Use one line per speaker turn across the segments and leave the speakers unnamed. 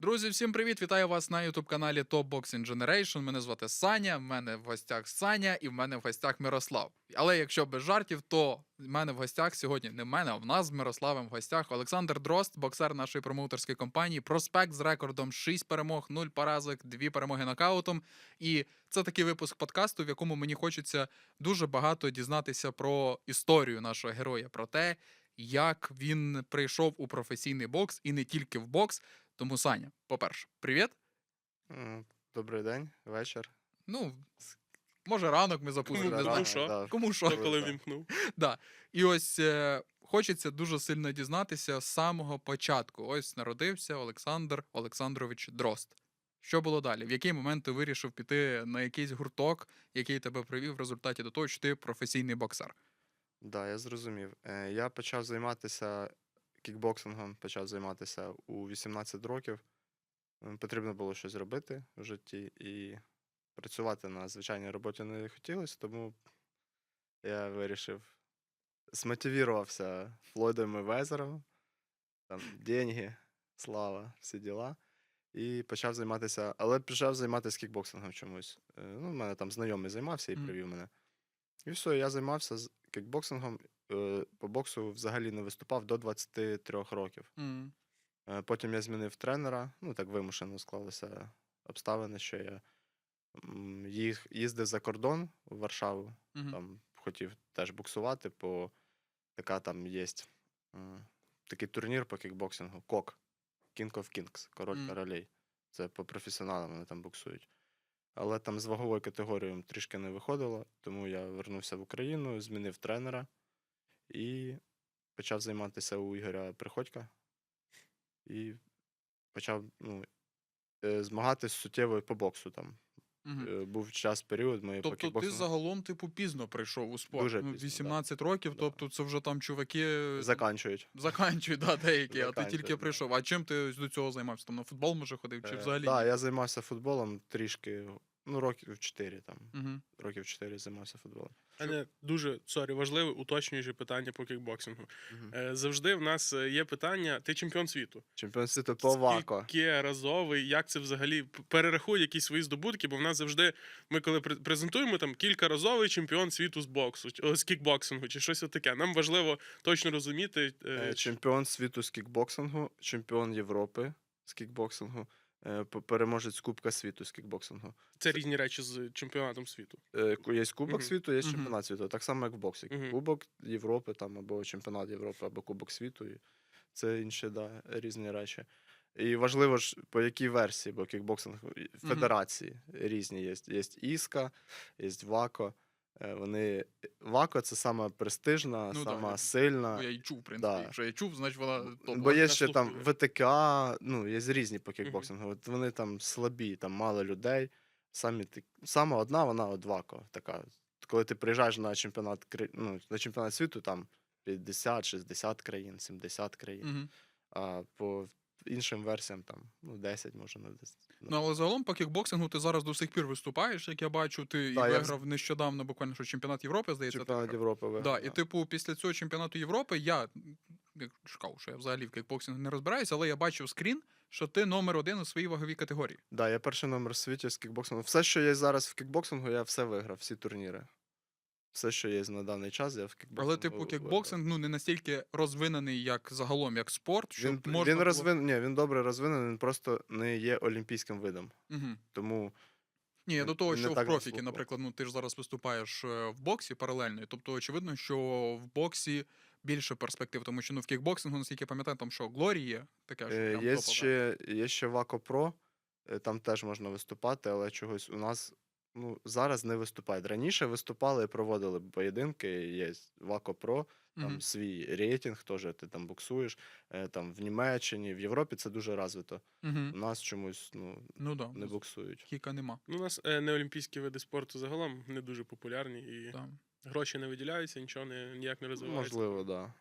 Друзі, всім привіт! Вітаю вас на ютуб-каналі Top Boxing Generation. Мене звати Саня, в мене в гостях Саня і в мене в гостях Мирослав. Але якщо без жартів, то в мене в гостях сьогодні не в мене, а в нас з Мирославом в гостях Олександр Дрозд, боксер нашої промоутерської компанії, проспект з рекордом 6 перемог, 0 поразок, 2 перемоги нокаутом. І це такий випуск подкасту, в якому мені хочеться дуже багато дізнатися про історію нашого героя, про те, як він прийшов у професійний бокс і не тільки в бокс. Тому, Саня, по-перше, привіт.
Добрий день, вечір.
Ну, може, ранок ми запустимо, не знаю.
що?
Кому
Хто
що.
коли вімкнув?
Да. І ось хочеться дуже сильно дізнатися з самого початку. Ось народився Олександр Олександрович Дрозд. Що було далі? В який момент ти вирішив піти на якийсь гурток, який тебе привів в результаті до того, що ти професійний боксер?
Да, я зрозумів. Я почав займатися кікбоксингом, у 18 років. Потрібно було щось робити в житті, і працювати на звичайній роботі не хотілося, тому я вирішив, смотивувався Флойдом Мейвезером, там деньги, слава, всі діла. І почав займатися кікбоксингом чомусь. Ну, в мене там знайомий займався і привів мене. І все, я займався кікбоксингом, по боксу взагалі не виступав до 23 років. Потім я змінив тренера, ну так вимушено склалися обставини, що я їздив за кордон у Варшаву, там хотів теж боксувати, така там є такий турнір по кікбоксингу, КОК, King of Kings, король королей. Це по професіоналам вони там боксують. Але там з ваговою категорією трішки не виходило, тому я вернувся в Україну, змінив тренера і почав займатися у Ігоря Приходька. І почав змагатись суттєво по боксу там. Був період моєї по
Тобто ти
кікбоксингу.
загалом, пізно прийшов у спорт.
Дуже
Ну,
пізно,
18 років,
Да.
тобто це вже там чуваки
Заканчують.
заканчують, да, деякі, а ти
Заканчують,
тільки
да.
прийшов. А чим ти до цього займався? Там на футбол, може, ходив, чи взагалі?
Так, я займався футболом трішки, років 4 там.
Угу.
Років 4 займався футболом.
Мене дуже важливе, уточнююче питання по кікбоксингу. Завжди в нас є питання: ти чемпіон світу?
Чемпіон світу по ВАКО.
Скільки разовий, як це взагалі? Перерахуй якісь свої здобутки, бо в нас завжди, ми коли презентуємо, там кількаразовий чемпіон світу з кікбоксингу, чи щось таке. Нам важливо точно розуміти.
Чемпіон світу з кікбоксингу, чемпіон Європи з кікбоксингу, переможець Кубка світу з кікбоксингу.
Це різні речі з чемпіонатом світу.
Є Кубок світу, є
Мгм.
чемпіонат світу. Так само, як в боксі. Кубок Європи, там, або чемпіонат Європи, або Кубок світу. І це інші, різні речі. І важливо ж, по якій версії, бо кікбоксинг федерації різні є. Є ІСКА, є ВАКО. ВАКО — це сама престижна,
Ну,
сама
да.
сильна.
Бо я і чув, в принципі.
Да.
Якщо я чув, значить вона топ.
Бо є
я
ще там
слухаю.
ВТК, є різні по кікбоксингу. От вони там слабі, там мало людей. Сама одна, вона от ВАКО така. Коли ти приїжджаєш на чемпіонат світу, там 50-60 країн, 70 країн.
Угу.
А по іншим версіям там 10, може, на 10.
Ну, але загалом по кікбоксингу ти зараз до сих пір виступаєш, як я бачу. Ти
Да,
і
я
виграв нещодавно буквально, що чемпіонат Європи, здається, ти
Чемпіонат
виграв.
Європи
Да,
виграв.
і типу, після цього чемпіонату Європи я шукав, що я взагалі в кікбоксингу не розбираюся, але я бачив скрін, що ти номер 1 у своїй ваговій категорії.
Да, я перший номер в світі з кікбоксингу. Все, що є зараз в кікбоксингу, я все виграв, всі турніри. Все, що є на даний час, я в кікбоксингу.
Але, типу, кікбоксинг не настільки розвинений, як загалом, як спорт, щоб
Він
можна було...
він добре розвинений, він просто не є олімпійським видом.
Угу.
Тому
Ні, до того,
не
що в
так
профіки,
заслухав.
наприклад, ти ж зараз виступаєш в боксі паралельно, і, тобто очевидно, що в боксі більше перспектив, тому що в кікбоксингу, наскільки я пам'ятаю, там що, Глорі є, таке, що прям топова.
є ще ВАКО Про, там теж можна виступати, але чогось у нас зараз не виступають. Раніше виступали і проводили поєдинки, є ВАКО Про, там свій рейтинг, теж ти там боксуєш, там в Німеччині, в Європі це дуже розвито. У нас чомусь
Да,
не боксують.
кіка нема.
Ну, у нас неолімпійські види спорту загалом не дуже популярні, і
Да.
гроші не виділяються, нічого ніяк не розвивається.
Можливо, так. Да.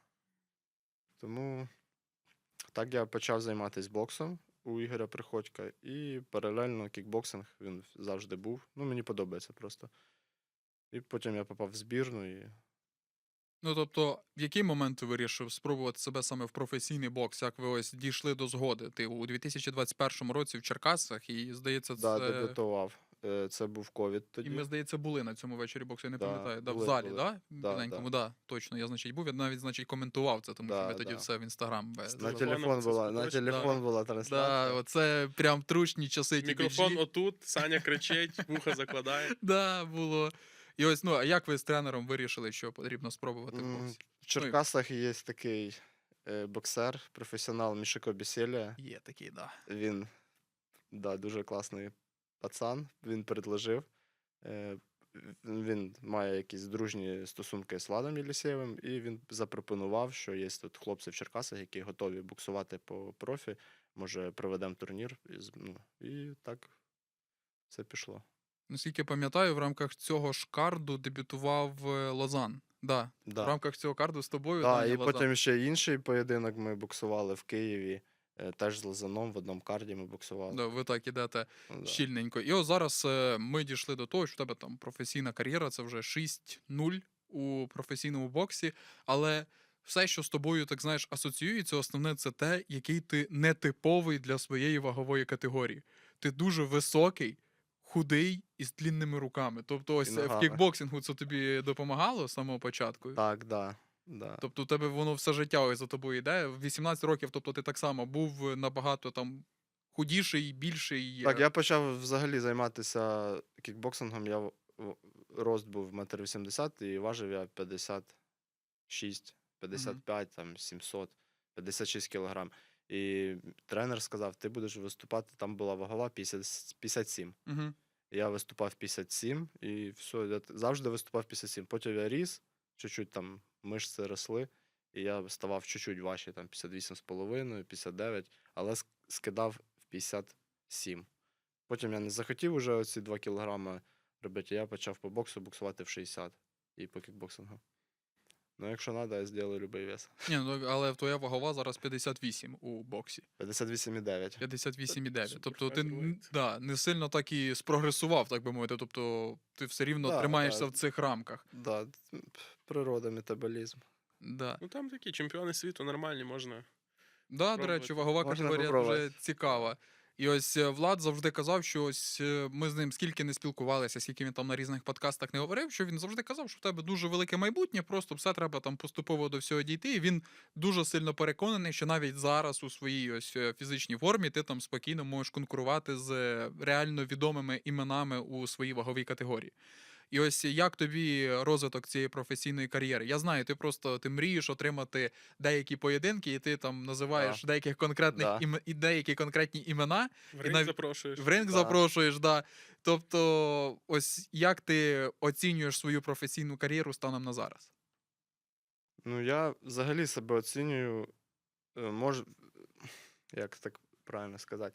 Тому так я почав займатися боксом у Ігоря Приходька, і паралельно кікбоксинг він завжди був. Мені подобається просто. І потім я попав в збірну, і
Ну, тобто, в який момент ти вирішив спробувати себе саме в професійний бокс? Як ви ось дійшли до згоди? Ти у 2021 році в Черкасах, і, здається,
Да,
це.
дебютував. Це був ковід
І ми,
тоді.
здається, були на цьому вечорі боксу, я не
Да,
пам'ятаю. Да, в
були,
залі,
були.
да?
Да,
Біленькому, да. Точно, я, значить, був. Я навіть, значить, коментував це, тому що
Да,
ми тоді
да.
все в інстаграм.
На
телефоном
телефон
це
була, на
точно,
телефон була
Да,
трансляція.
оце прям трушні часи
Мікрофон
TPG.
отут, Саня кричить, вуха закладає.
Да, було. І ось, ну, а як ви з тренером вирішили, що потрібно спробувати в боксі?
В Черкасах є такий боксер, професіонал Мішико Бісєлія.
Є такий, да.
Він дуже класний пацан, він предложив. Він має якісь дружні стосунки з Владом Єлісєєвим, і він запропонував, що є тут хлопці в Черкасах, які готові боксувати по профі. Може, проведемо турнір. І так все пішло.
Наскільки пам'ятаю, в рамках цього ж карду дебютував Лозан. Да. В
Да.
рамках цього карду з тобою.
Да,
Даня
і
Лозан.
потім ще інший поєдинок ми боксували в Києві. Теж з Лозаном в одному карді ми боксували.
Да, ви так ідете
Ну, да.
щільненько. І ось зараз ми дійшли до того, що в тебе там професійна кар'єра, це вже 6-0 у професійному боксі, але все, що з тобою, так знаєш, асоціюється, основне це те, який ти нетиповий для своєї вагової категорії. Ти дуже високий, худий і з длінними руками. Тобто, ось в
ногами.
кікбоксингу це тобі допомагало з самого початку.
Так, да.
Тобто, у тебе воно все життя ось за тобою йде. В 18 років, тобто ти так само був набагато там худіший, більший.
Так, я почав взагалі займатися кікбоксингом. Рост був 1,80 м і важив я 56, 55, там 700, 56 кілограм. І тренер сказав, ти будеш виступати, там була вагова 57.
Угу.
Я виступав 57 і все, я завжди виступав 57. Потім я ріс, чуть-чуть там мишці росли, і я ставав чуть-чуть важче, там 58,5, 59, але скидав в 57. Потім я не захотів уже оці 2 кілограми робити, я почав по боксу боксувати в 60 і по кікбоксингу. Ну, якщо треба, я зроблю будь-який вес.
Ні, ну, але твоя вагова зараз 58 у боксі.
58,9.
58,9.
Супер
Тобто ти
файт.
не сильно так і спрогресував, так би мовити. Тобто ти все рівно
Да,
тримаєшся
да.
в цих рамках.
Да, природа, метаболізм.
Да.
Ну там такі чемпіони світу нормальні, можна.
Да, до речі,
Пробувати.
вагова
Можна
категорія
попробувати.
дуже цікава. І ось Влад завжди казав, що ось ми з ним скільки не спілкувалися, скільки він там на різних подкастах не говорив, що він завжди казав, що в тебе дуже велике майбутнє, просто все треба там поступово до всього дійти. І він дуже сильно переконаний, що навіть зараз у своїй ось фізичній формі ти там спокійно можеш конкурувати з реально відомими іменами у своїй ваговій категорії. І ось як тобі розвиток цієї професійної кар'єри? Я знаю, ти мрієш отримати деякі поєдинки, і ти там називаєш деяких конкретних
Да.
і деякі конкретні імена,
В ринг
навіть
запрошуєш.
в ринг
Да.
запрошуєш. Да. Тобто, ось як ти оцінюєш свою професійну кар'єру станом на зараз?
Ну, я взагалі себе оцінюю, як так правильно сказати,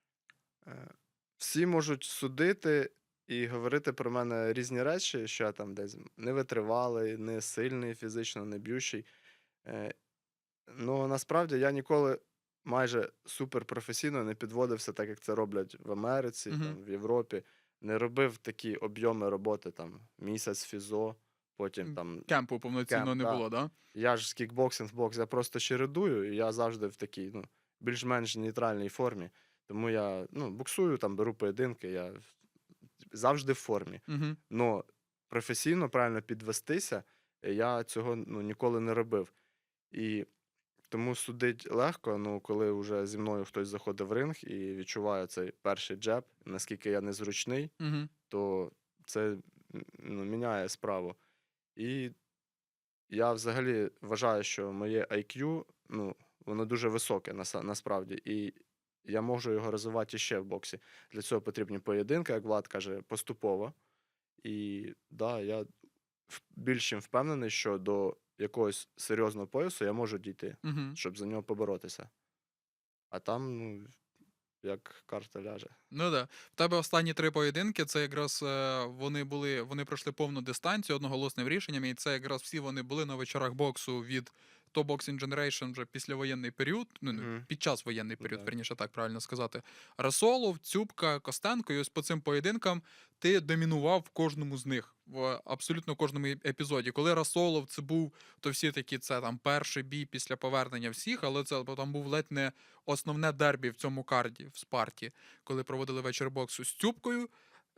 всі можуть судити і говорити про мене різні речі, що я там десь не витривалий, не сильний фізично, не б'ющий. Ну, насправді я ніколи майже суперпрофесійно не підводився, так як це роблять в Америці,
Мгм.
там, в Європі. Не робив такі об'єми роботи, там, місяць фізо, потім там
Кемпу повноцінно
Кемп,
не
да.
було, да?
я ж з кікбоксинг в бокс, я просто чередую, і я завжди в такій, більш-менш нейтральній формі. Тому я, боксую, там, беру поєдинки, я завжди в формі.
Угу.
Но професійно правильно підвестися, я цього ніколи не робив. І тому судить легко, коли вже зі мною хтось заходить в ринг і відчуває цей перший джеб, наскільки я незручний,
Угу.
то це міняє справу. І я взагалі вважаю, що моє IQ, воно дуже високе насправді, і я можу його розвивати ще в боксі. Для цього потрібні поєдинки, як Влад каже, поступово. І да, я більш чим впевнений, що до якогось серйозного поясу я можу дійти,
Угу.
щоб за нього поборотися. А там, як карта ляже.
Ну да. В тебе останні 3 поєдинки, це якраз вони пройшли повну дистанцію одноголосним рішенням, і це якраз всі вони були на вечорах боксу від Top Boxing Generation вже післявоєнний період, ну, не,
Мгм.
під час воєнний період,
Да.
верніше так правильно сказати. Расолов, Цюбка, Костенко, і ось по цим поєдинкам ти домінував в кожному з них, в абсолютно кожному епізоді. Коли Расолов це був, то всі такі, це там перший бій після повернення всіх, але це там був ледь не основне дербі в цьому карді, в Спарті, коли проводили вечір боксу з Цюбкою.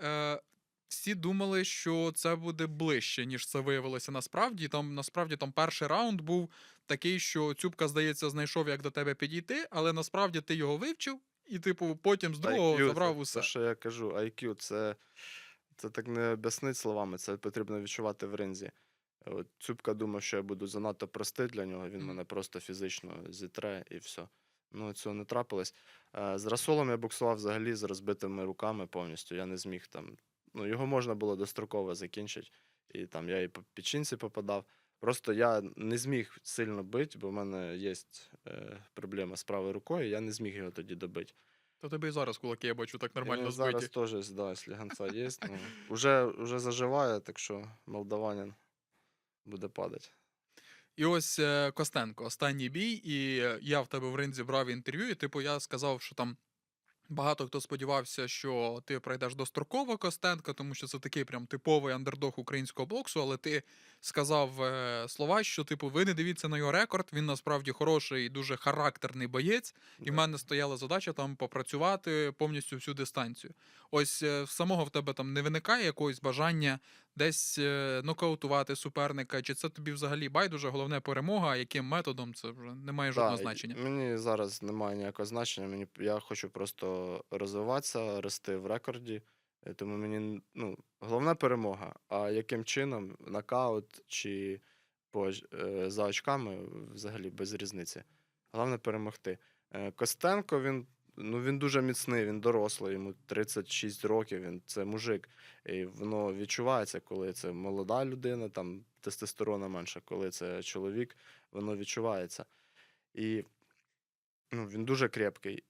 Всі думали, що це буде ближче, ніж це виявилося насправді. Там насправді там перший раунд був такий, що Цюбка, здається, знайшов, як до тебе підійти, але насправді ти його вивчив, і, типу, потім з другого
IQ,
забрав
це,
усе.
це, що я кажу, IQ, це так не об'яснить словами, це потрібно відчувати в ринзі. От Цюбка думав, що я буду занадто простий для нього, він
Мгм.
мене просто фізично зітре і все. Ну, цього не трапилось. З Расолом я боксував взагалі з розбитими руками повністю. Я не зміг там. Ну, його можна було достроково закінчити. І там я і по печінці попадав. Просто я не зміг сильно бити, бо в мене є проблема з правою рукою, я не зміг його тоді добити.
То тебе і зараз кулаки, я бачу, так нормально
І
збиті.
зараз теж, да, сліганця є. Ну, уже заживає, так що молдаванин буде падати.
І ось Костенко, останній бій, і я в тебе в ринзі брав інтерв'ю, і типу я сказав, що там багато хто сподівався, що ти пройдеш достроково Костенка, тому що це такий прям типовий андердог українського боксу, але ти сказав слова, що типу ви не дивіться на його рекорд, він насправді хороший і дуже характерний боєць, і в
Да.
мене стояла задача там попрацювати повністю всю дистанцію. Ось в самого в тебе там не виникає якогось бажання десь нокаутувати суперника, чи це тобі взагалі байдуже, головне перемога, а яким методом, це вже не має жодного
Да,
значення.
мені зараз немає ніякого значення. Я хочу просто розвиватися, рости в рекорді. Тому мені головна перемога. А яким чином, нокаут чи за очками, взагалі без різниці. Головне перемогти. Костенко, він дуже міцний, він дорослий, йому 36 років, це мужик. І воно відчувається, коли це молода людина, там тестостерона менше, коли це чоловік, воно відчувається. І він дуже крепкий.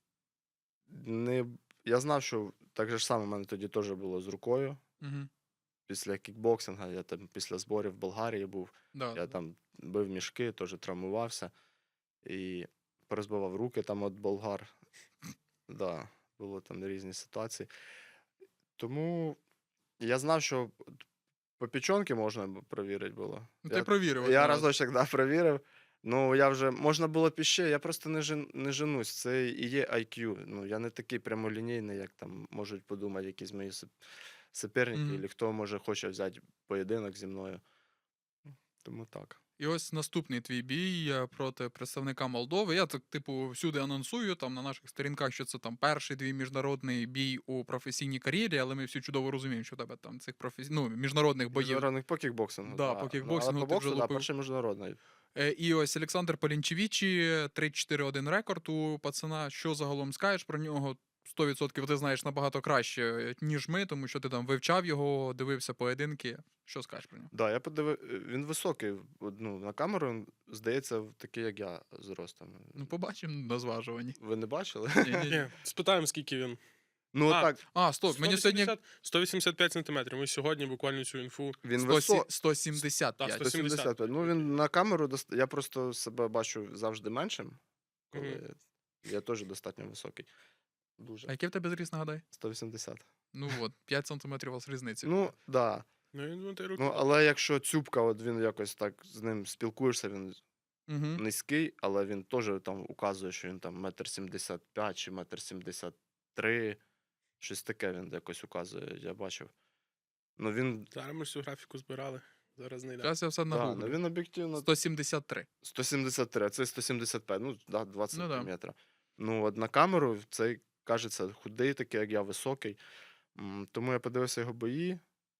Я знав, що так же ж саме в мене тоді теж було з рукою.
Угу.
Після кікбоксинга, я там після зборів в Болгарії був,
Да.
я там бив мішки, теж травмувався. І порозбивав руки там от болгар. Да, було там різні ситуації. Тому я знав, що по печонки можна провірити було.
Ну, ти провірив.
Я
одного разу.
разочок, да, провірив. Ну, я вже, можна було б іще, я просто не женусь. Це і є IQ. Ну, я не такий прямолінійний, як там можуть подумати якісь мої суперники,
Мгм.
або хто може хоче взяти поєдинок зі мною. Тому так.
І ось наступний твій бій проти представника Молдови. Я так, типу, всюди анонсую там на наших сторінках, що це там перший твій міжнародний бій у професійній кар'єрі, але ми всі чудово розуміємо, що в тебе там цих міжнародних боїв.
Міжнародних по кікбоксингу.
Да, по кікбоксингу
Але
ти
по
вже
боксу, да,
лупив.
перший міжнародний.
І ось Олександр Полінчевічі, 3-4-1 рекорд у пацана. Що загалом скажеш про нього? 100% ти знаєш набагато краще, ніж ми, тому що ти там вивчав його, дивився поєдинки. Що скажеш про нього?
Да, я подивив, він високий. На камеру він, здається, такий, як я, зростом.
Ну, побачимо на зважуванні.
Ви не бачили?
Ні-ні-ні.
Ні, спитаємо, скільки він.
Ну,
А,
так,
А, стоп, мені сьогодні
185 сантиметрів. Ми сьогодні буквально цю інфу.
він
175.
Так,
175. Ну, він на камеру, я просто себе бачу завжди меншим, коли я теж достатньо високий.
А
Дуже.
який в тебе зріс, нагадай?
180.
Ну от, 5 сантиметрів у вас різниці.
Ну, да.
Ну, він ти руки.
Ну, але якщо Цюбка, от він якось так з ним спілкуєшся, він
Угу.
низький, але він теж там указує, що він там 1,75 м чи 1,73 м. Щось таке він якось указує, я бачив. Ну він,
Зараз ми ж цю графіку збирали. Зараз не йде.
Зараз я все
да,
нагуглю.
ну він об'єктивно
173.
173, а це 175, ну да, 20
Ну да.
сантиметра. Ну, от на камеру цей кажеться худий, такий, як я, високий. Тому я подивився його бої.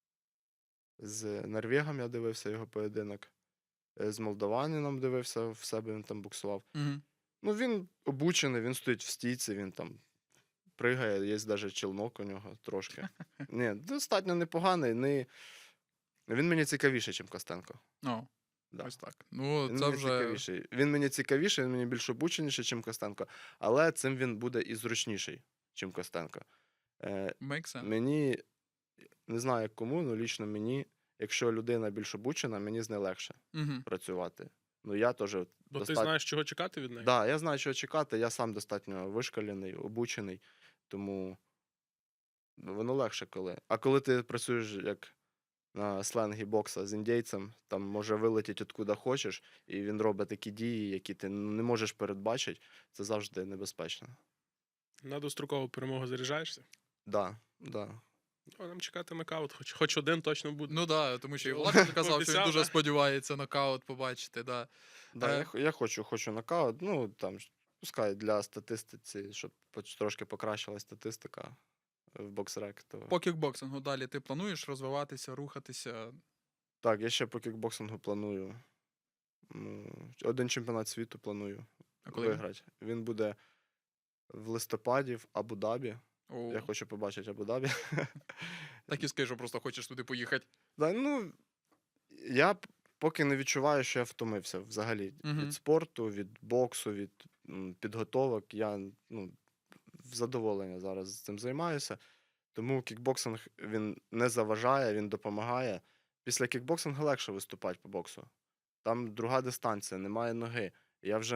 З Норвегом я дивився його поєдинок. З Молдаванином дивився, в себе він там боксував.
Угу.
Ну, він обучений, він стоїть в стійці, він там пригає, є навіть челнок у нього трошки. Ні, достатньо непоганий. Він мені цікавіший, ніж Костенко.
О,
Да.
ось так. Ну,
Він
це
мені
вже...
цікавіший. Він мені цікавіший, він мені більш обученіший, ніж Костенко. Але цим він буде і зручніший, ніж Костенко.
Make sense.
Мені, не знаю як кому, але лічно мені, якщо людина більш обучена, мені з нею легше
Угу.
працювати. Ну, я теж
Бо ти знаєш, чого чекати від неї?
Да, я знаю, чого чекати, я сам достатньо вишкалений, обучений, тому воно легше коли. А коли ти працюєш як на сленгі бокса з індійцем, там може вилетіти откуда хочеш, і він робить такі дії, які ти не можеш передбачити, це завжди небезпечно.
На дострокову перемогу заряджаєшся?
Да, да.
Ну, нам чекати нокаут, хоч один точно буде.
Ну да, тому що і
Ну,
Влад казав, що він
пообіцяв,
дуже
да?
сподівається нокаут побачити. Да.
Да,
Е.
я хочу нокаут, ну там пускай для статистиці, щоб трошки покращилась статистика в боксрек, то
По кікбоксингу далі ти плануєш розвиватися, рухатися?
так, я ще по кікбоксингу планую. Один чемпіонат світу планую
А коли він?
виграти. Він буде в листопаді в Абу-Дабі.
О,
Я хочу побачити Абу-Дабі.
так і скажи, що просто хочеш туди поїхати.
Да, ну, я поки не відчуваю, що я втомився взагалі
Мгм.
від спорту, від боксу, від підготовок. Я в задоволення зараз цим займаюся. Тому кікбоксинг він не заважає, він допомагає. Після кікбоксингу легше виступати по боксу. Там друга дистанція, немає ноги. Я вже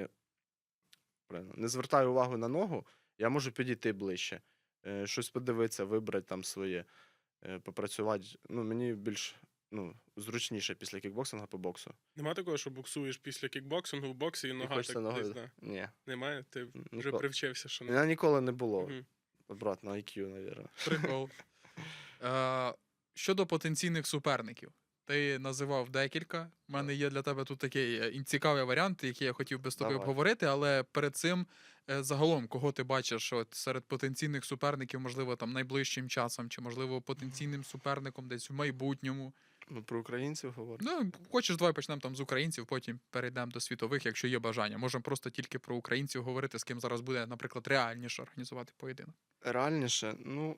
не звертаю увагу на ногу, я можу підійти ближче, щось подивитися, вибрати там своє, попрацювати. Ну, мені більш зручніше після кікбоксингу по боксу.
Нема такого, що боксуєш після кікбоксингу в боксі і
І
нога
хочеться
так
ногою.
десь, да.
Ні.
Немає? Ти вже
Ніколи.
привчився, що
У
не.
мене ніколи не було.
Мгм.
Обратно IQ, мабуть.
Прикол. Щодо потенційних суперників. Ти називав декілька. У мене є для тебе тут такий цікавий варіант, який я хотів би з тобою
Давай.
обговорити, але перед цим загалом, кого ти бачиш от, серед потенційних суперників, можливо, там найближчим часом, чи, можливо, потенційним суперником десь в майбутньому.
Ну, про українців говорю.
Ну, хочеш, давай почнемо там з українців, потім перейдемо до світових, якщо є бажання. Можемо просто тільки про українців говорити, з ким зараз буде, наприклад, реальніше організувати поєдинок.
Реальніше, ну.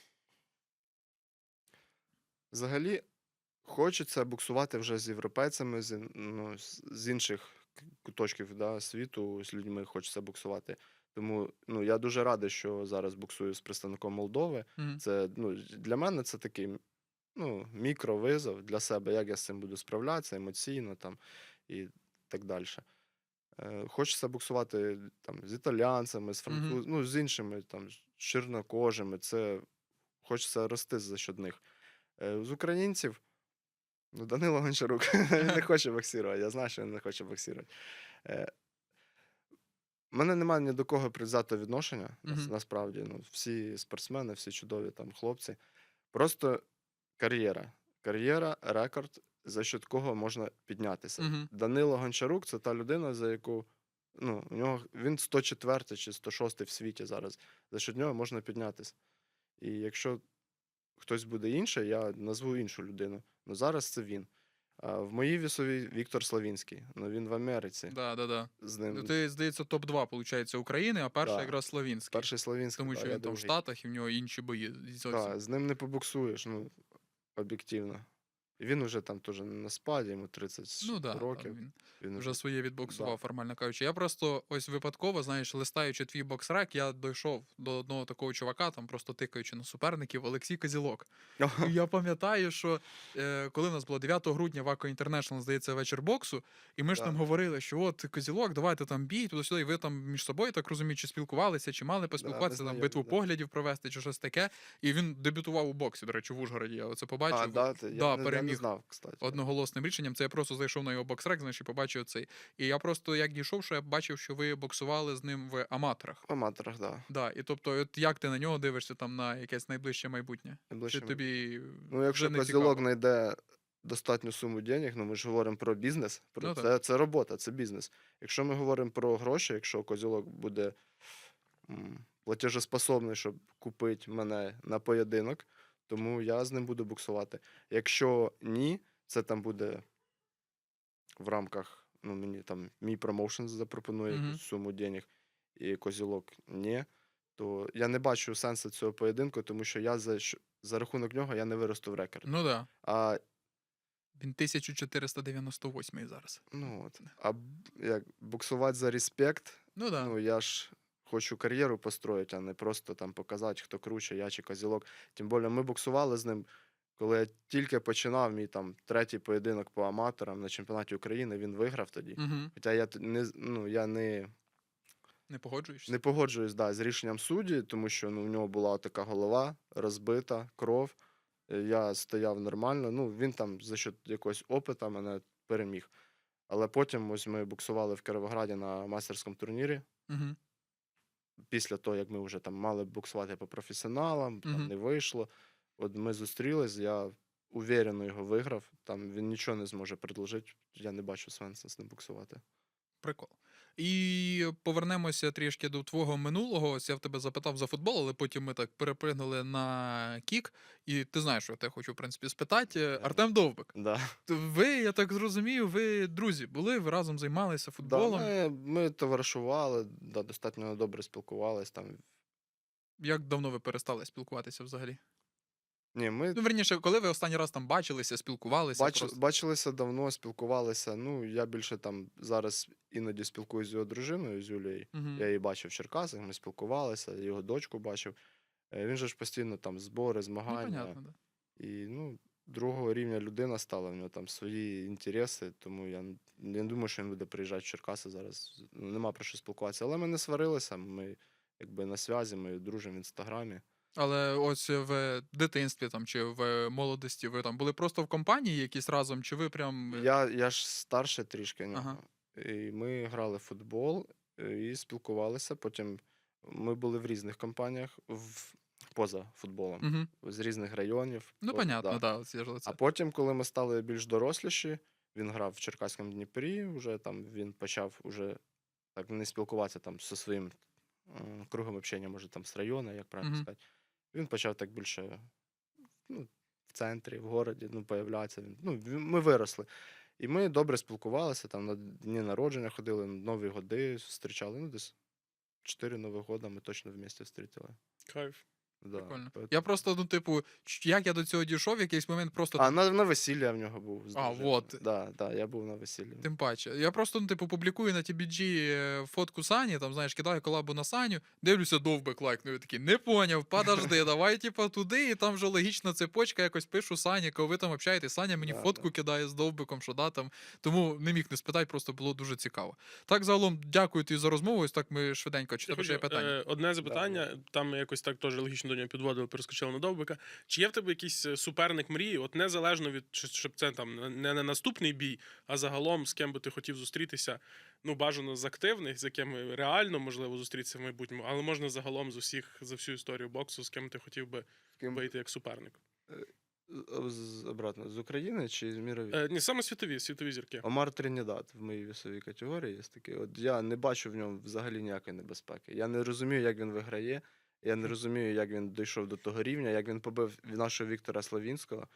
Взагалі, хочеться буксувати вже з європейцями, з інших куточків світу, з людьми хочеться буксувати. Тому я дуже радий, що зараз буксую з представником Молдови.
Мгм.
Це, для мене це такий мікровизов для себе, як я з цим буду справлятися емоційно там, і так далі. Хочеться буксувати там, з італійцями, з французами, з іншими там, з чорнокожими. Це хочеться рости за счет них. З українців, Данило Гончарук, він не хоче боксувати, я знаю, що він не хоче боксувати. У мене немає ні до кого предвзятого відношення,
Мгм.
насправді. Всі спортсмени, всі чудові там хлопці. Просто кар'єра. Кар'єра, рекорд, за счет кого можна піднятися.
Мгм.
Данило Гончарук це та людина, за яку у нього він 104 чи 106 в світі зараз. За счет нього можна піднятися. І якщо хтось буде інший, я назву іншу людину. Зараз це він. А в моїй вісовій Віктор Славінський. Він в Америці.
Да.
З
Ну,
ним
ти, здається, топ-2, виходить, України, а перший
Да.
якраз Славінський.
перший Славінський.
Тому
да,
що
я
він там в
другий.
Штатах і в нього інші бої. Зовсім.
Так, з ним не побуксуєш, об'єктивно. І він уже там теж на спаді, йому 30
Ну да,
років.
він
Він
вже своє відбоксував,
Да.
формально кажучи. Я просто ось випадково, знаєш, листаючи твій боксрек, я дійшов до одного такого чувака, там просто тикаючи на суперників, Олексій Козілок. І я пам'ятаю, що коли в нас було 9 грудня в Ако Інтернешнл, здається, вечір боксу, і ми ж
Да.
там говорили, що от Козілок, давайте там бій, туди-сюди, і ви там між собою, так розумію, чи спілкувалися, чи мали поспілкуватися, там
знайомі,
битву
да.
поглядів провести, чи щось таке. І він дебютував у боксі, до речі, в Ужгороді. Я оце побачив.
я не
переміг
знав, кстати.
одноголосним рішенням. Це я просто зайшов на його боксрек, знаєш, і побачив цей. І я просто як дійшов, що я бачив, що ви боксували з ним в аматорах.
В аматорах, так.
Да, і тобто, от як ти на нього дивишся там на якесь найближче майбутнє? Чи тобі
Якщо
вже не
Козілок
цікаво?
знайде достатню суму денег, ми ж говоримо про бізнес,
Ну,
це робота, це бізнес. Якщо ми говоримо про гроші, якщо Козілок буде платежеспособний, щоб купити мене на поєдинок, тому я з ним буду буксувати. Якщо ні, це там буде в рамках, мені там мій промоушен запропонує
Мгм.
якусь суму денег, і Козілок ні, то я не бачу сенсу цього поєдинку, тому що я за рахунок нього я не виросту в рекорд.
Ну да.
А
Він 1498 зараз.
як буксувати за респект,
Ну да.
я ж хочу кар'єру построїти, а не просто там показати, хто круче, я чи Козілок. Тим більше ми буксували з ним Коли я тільки починав мій там 3-й поєдинок по аматорам на чемпіонаті України, він виграв тоді.
Угу.
Хоча я не
Не погоджуєшся?
не погоджуюсь, з рішенням судді, тому що у нього була така голова розбита, кров. Я стояв нормально. Він там за счет якогось опита мене переміг. Але потім ось ми боксували в Кіровограді на майстерському турнірі.
Угу.
Після того, як ми вже там мали боксувати по професіоналам, там
Мгм.
не вийшло. От ми зустрілись, я уверено його виграв. Там він нічого не зможе предложити. Я не бачу сенсу з ним боксувати.
Прикол. І повернемося трішки до твого минулого. Ось я в тебе запитав за футбол, але потім ми так перепригнули на кік. І ти знаєш, що я тебе хочу, в принципі, спитати. Артем Довбик.
Да.
Ви, я так зрозумів, ви друзі були, ви разом займалися
Да,
футболом.
ми товаришували, достатньо добре спілкувались. Там.
Як давно ви перестали спілкуватися взагалі?
Ні, ми
Ну, верніше, коли ви останній раз там бачилися, спілкувалися? просто?
бачилися давно, спілкувалися. Я більше там зараз іноді спілкуюся з його дружиною, з Юлією.
Мгм.
Я її бачив в Черкасах, ми спілкувалися, його дочку бачив. Він же ж постійно там збори,
Ну,
змагання.
понятно, да.
І другого рівня людина стала, в нього там свої інтереси, тому я не думаю, що він буде приїжджати в Черкаси зараз. Нема про що спілкуватися. Але ми не сварилися, ми якби на зв'язі, ми дружимо в інстаграмі.
Але ось в дитинстві там чи в молодості ви там були просто в компанії якісь разом, чи ви прям.
Я ж старше трішки нього.
Ага.
І ми грали в футбол і спілкувалися. Потім ми були в різних компаніях поза футболом,
Угу.
з різних районів.
Ну, понятно,
да.
да, це ж оце.
А потім, коли ми стали більш доросліші, він грав в Черкаському Дніпрі, вже там він почав уже так не спілкуватися там зі своїм кругом общення, може там з району, як правильно
Мгм.
сказати. Він почав так більше в центрі, в городі, появлятися. Ми виросли. І ми добре спілкувалися, там на дні народження ходили, Нові годи зустрічали. Десь 4 Нових года ми точно в місті зустріли.
Кайф.
Да.
Прикольно.
поет-
Я просто, типу, як я до цього дійшов, в якийсь момент просто.
на весілля в нього був. з
А,
дружиною.
вот.
Да, я був на весіллі.
Тим паче. Я просто, публікую на TBG фотку Сані, там, знаєш, кидаю колабу на Саню, дивлюся, Довбик лайкнув, такий, не поняв, подожди, давай, туди, і там вже логічна цепочка, якось пишу Сані, коли ви там общаєтесь, Саня мені
Да,
фотку кидає з Довбиком, що да, там. Тому не міг не спитати, просто було дуже цікаво. Так, загалом, дякую тобі за розмову, ось так ми швиденько, чи тебе ще є питання?
Одне запитання, там ми якось так теж логічно до нього підводили, перескочили на Довбика. Чи є в тебе якийсь суперник мрії, от незалежно від, щоб це там не на наступний бій, а загалом з ким би ти хотів зустрітися, бажано з активних, з якими реально можливо зустрітися в майбутньому, але можна загалом з усіх, за всю історію боксу, з ким ти хотів би вийти як суперник?
Обратно, з України чи з мірові?
Ні, саме світові зірки.
Омар Тринідад в моїй вісовій категорії є такий. От я не бачу в ньому взагалі ніякої небезпеки. Я не розумію, як він виграє. Я не розумію, як він дійшов до того рівня, як він побив нашого Віктора Славінського.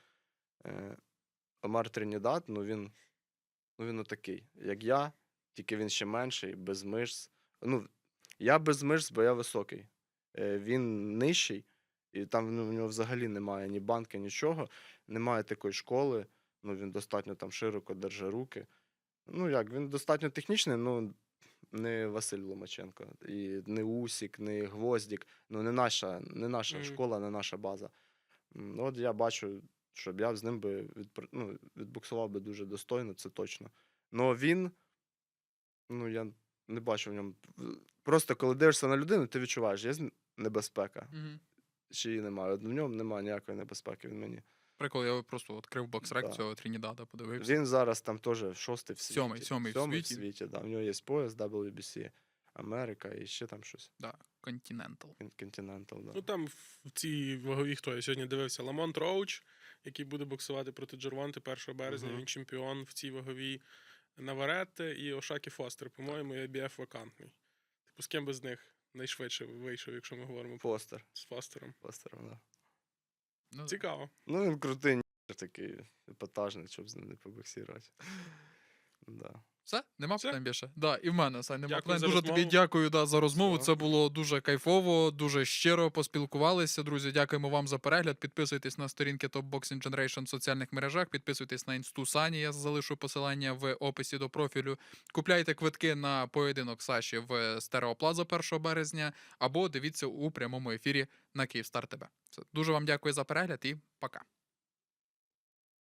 Омар Тринідад, він отакий, як я, тільки він ще менший, без мишць. Я без мишць, бо я високий. Він нижчий, і там в нього взагалі немає ні банки, нічого, немає такої школи, він достатньо там широко держить руки. Він достатньо технічний, не Василь Ломаченко, і не Усік, не Гвоздік, не наша школа, не наша база. От я бачу, щоб я з ним би відбуксував би дуже достойно, це точно. Но він, я не бачу в ньому. Просто коли дивишся на людину, ти відчуваєш, є небезпека,
Мгм.
чи її немає. От в ньому немає ніякої небезпеки, він мені.
Прикол, я просто відкрив боксрек
Да.
цього Тринідада, подивився.
Він зараз там теж 6-й в світі.
Сьомий в
7-й в
світі.
світі, да. В нього є пояс WBC Америка і ще там щось.
Да, Continental.
Continental, да.
Там в цій ваговій, хто я сьогодні дивився, Ламонт Роуч, який буде боксувати проти Джервонти 1 березня,
Мгм.
він чемпіон в цій ваговій. Наваретте і Ошакі Фостер, по-моєму, IBF вакантний. З ким би з них найшвидше вийшов, якщо ми говоримо
Фостер.
з Фостером.
Фостером, да.
Ну,
Цікаво.
Він крутий, такий епатажний, щоб з ним не побоксірувати. Да.
Все? Нема
Все?
питань більше? Да, і в мене, Сань, нема
Дякую
питань.
за
Дуже
розмову.
тобі дякую за розмову.
Все.
Це було дуже кайфово, дуже щиро поспілкувалися. Друзі, дякуємо вам за перегляд. Підписуйтесь на сторінки Top Boxing Generation в соціальних мережах. Підписуйтесь на інсту Сані. Я залишу посилання в описі до профілю. Купляйте квитки на поєдинок Саші в Стереоплаза 1 березня або дивіться у прямому ефірі на Київстар ТВ. Дуже вам дякую за перегляд і пока.